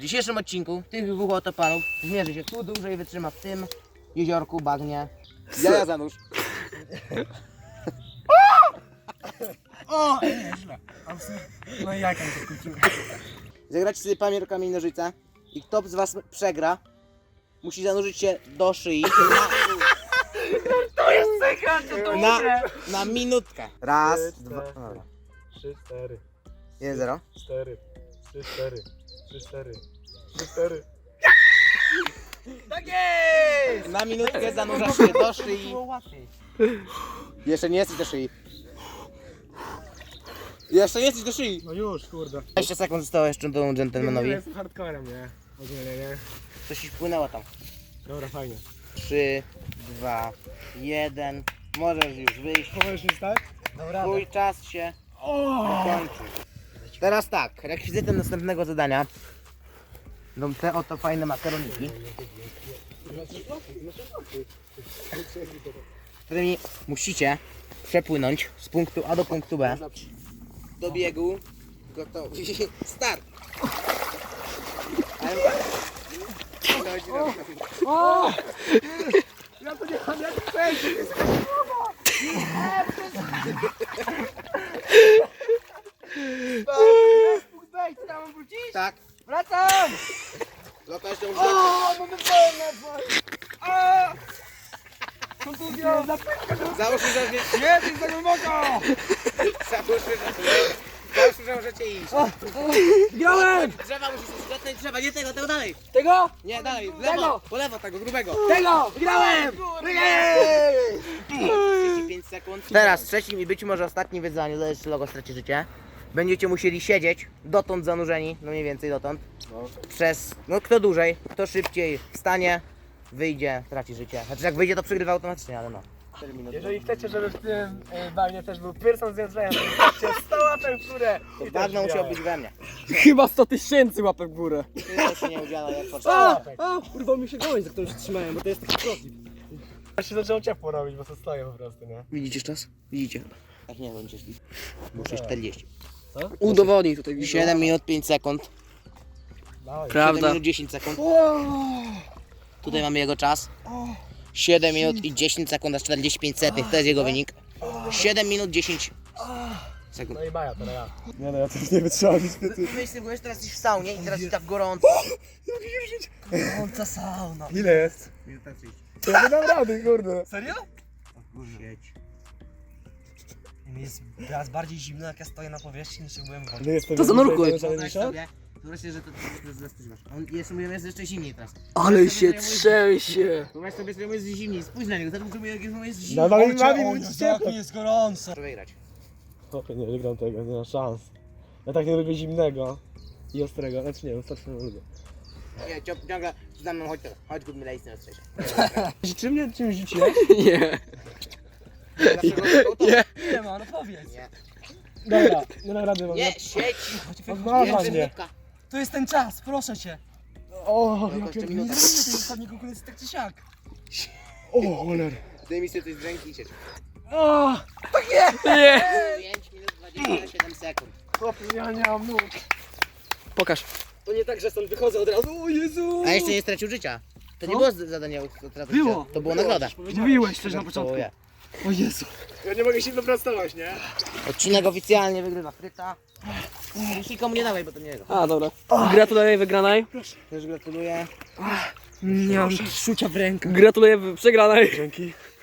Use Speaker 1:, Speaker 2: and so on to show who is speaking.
Speaker 1: dzisiejszym odcinku tych dwóch oto panów zmierzy się, kto dłużej wytrzyma w tym jeziorku, bagnie.
Speaker 2: Ja zanurz.
Speaker 3: O, nieźle. No i jak to skończyłem?
Speaker 1: Zagrać sobie papier, kamień, nożyce i kto z was przegra, musi zanurzyć się do szyi
Speaker 3: To jest sekret, to
Speaker 1: na minutkę. Raz,
Speaker 3: Trzy,
Speaker 1: dwa,
Speaker 3: cztery.
Speaker 1: dobra.
Speaker 3: 3, 4,
Speaker 1: 1-0.
Speaker 3: 4, 3, 4, 3, 4, 3, 4. Tak jest!
Speaker 1: Na minutkę zanurzasz się do szyi.
Speaker 3: Było łatwiej.
Speaker 1: Jeszcze nie jesteś do szyi. Jeszcze nie jesteś do szyi.
Speaker 3: No już, kurde.
Speaker 1: 20 sekund zostało jeszcze do dżentelmenowi.
Speaker 3: Ja jestem hardcorem, nie? Ogólnie, nie?
Speaker 1: Coś ci wpłynęło tam.
Speaker 3: Dobra, fajnie.
Speaker 1: 3, 2, 1. Możesz już wyjść.
Speaker 3: Możesz już tak? Dobra.
Speaker 1: Twój czas się kończy. Teraz tak, rekwizytem następnego zadania będą te oto fajne makaroniki, którymi musicie przepłynąć z punktu A do punktu B. Do biegu. Gotowi. Start!
Speaker 3: Ja to nie mam jak przejść! Jest punkt wejść, tam wrócić?
Speaker 1: Tak.
Speaker 3: Wracam!
Speaker 1: Loka jeszcze
Speaker 3: O,
Speaker 1: muszę.
Speaker 3: mogę wolno! A! Kontuzja!
Speaker 1: Załóżmy, że
Speaker 3: Nie, to jest za głęboko!
Speaker 1: Załóżmy, że możecie iść.
Speaker 3: Grałem!
Speaker 1: Drzewa musisz dotknąć drzewa, nie tego, tego dalej.
Speaker 3: Tego!
Speaker 1: Nie, dalej, w
Speaker 3: Tego.
Speaker 1: lewo, po lewo tego, grubego.
Speaker 3: Tego! Grałem!
Speaker 1: 35 sekund. Teraz trzecim i być może ostatnim wyzwaniu, to jeszcze logo straci życie. Będziecie musieli siedzieć dotąd zanurzeni, no mniej więcej dotąd. Przez, no kto dłużej, kto szybciej wstanie, wyjdzie, traci życie. Znaczy jak wyjdzie to przegrywa automatycznie, ale no. 4 minuty.
Speaker 3: Jeżeli chcecie, żeby w tym bagnie też był Pearson z Jędrzejem, to wstawcie 100 łapek w górę!
Speaker 1: To
Speaker 3: I też
Speaker 1: bagno musiał
Speaker 3: grałem.
Speaker 1: być we mnie.
Speaker 4: Chyba 100 000 łapek w górę.
Speaker 1: Ty się nie udziela jak
Speaker 4: A,
Speaker 1: potrzeba.
Speaker 4: urwał mi się gałąź, za którą się trzymałem, bo to jest taki protip.
Speaker 3: Ja się zaczęło ciepło robić, bo to stoję po prostu, nie?
Speaker 4: Widzicie czas? Widzicie.
Speaker 1: Tak nie będzie szli. Muszę 40.
Speaker 4: Udowodnij tutaj widzę.
Speaker 1: 7 minut 5 sekund.
Speaker 3: Dawaj.
Speaker 1: 7
Speaker 4: Prawda.
Speaker 1: minut 10 sekund. Tutaj mamy jego czas. 7 minut i 10 sekund, aż 45 setnych, to jest jego wynik. 7 minut 10 sekund.
Speaker 3: No i Maja, teraz ja. Nie no, ja też nie wytrzymam niestety.
Speaker 1: Myślę, byłeś teraz jesteś w saunie i teraz jest tak gorąco.
Speaker 4: Gorąca sauna.
Speaker 3: Ile jest?
Speaker 1: Minuta 30.
Speaker 3: To ja nie dam rady, kurde.
Speaker 4: Serio?
Speaker 1: Siedź.
Speaker 4: Mi jest teraz bardziej zimno, jak ja stoję na powierzchni, niż jak byłem w wodzie.
Speaker 3: Nie jestem
Speaker 4: To zanurkuj.
Speaker 1: Wyobraź sobie, że to zastywasz. On jeszcze mówią, jest jeszcze zimniej teraz.
Speaker 4: Ale się trzęsie.
Speaker 1: Wyobraź sobie, że jest zimniej, spójrz na niego, zobaczymy jak jest zimniej.
Speaker 3: No mamy ciepło.
Speaker 4: jest gorąco.
Speaker 1: Muszę wygrać.
Speaker 3: Nie wygram tego, nie ma szans. Ja tak nie lubię zimnego i ostrego, znaczy nie, ostrego nie lubię.
Speaker 1: Nie, ciągle za mną, chodź kup mi lejsy na strzecie.
Speaker 3: Czy mnie czymś rzuciłeś?
Speaker 4: Nie.
Speaker 1: Nie.
Speaker 4: Nie ma, no powiedz.
Speaker 1: Nie.
Speaker 3: Dobra, nie dam rady, mam.
Speaker 1: Nie, siedź!
Speaker 3: Odmawia
Speaker 1: Jeszcze
Speaker 3: mnie.
Speaker 1: minutka.
Speaker 4: To jest ten czas, proszę cię.
Speaker 3: O,
Speaker 1: Tylko
Speaker 3: ja
Speaker 1: jeszcze
Speaker 3: pierdolę.
Speaker 1: minuta.
Speaker 4: To jest ostatni konkurencji tak czy siak.
Speaker 3: O, choler.
Speaker 1: Zdejmij sobie coś z ręki i siedź.
Speaker 3: O,
Speaker 4: Nie.
Speaker 1: 5 minut 27 sekund.
Speaker 3: chłopie, ja nie mam nóg.
Speaker 4: Pokaż. To nie tak, że stąd wychodzę od razu. O Jezu.
Speaker 1: A jeszcze nie stracił życia. To nie
Speaker 4: Co?
Speaker 1: było zadanie utraty
Speaker 4: Było.
Speaker 1: życia. To było nagroda.
Speaker 4: Mówiłeś też na początku.
Speaker 1: Dziękuję.
Speaker 4: O Jezu.
Speaker 3: Ja nie mogę się dopracować, nie?
Speaker 1: Odcinek oficjalnie wygrywa Fryta. Już nikomu nie dawaj, bo to nie jego.
Speaker 4: A, dobra. Gratuluję wygranej.
Speaker 1: Też gratuluję.
Speaker 4: Nie mam czucia w rękach. Gratuluję przegranej.
Speaker 3: Dzięki.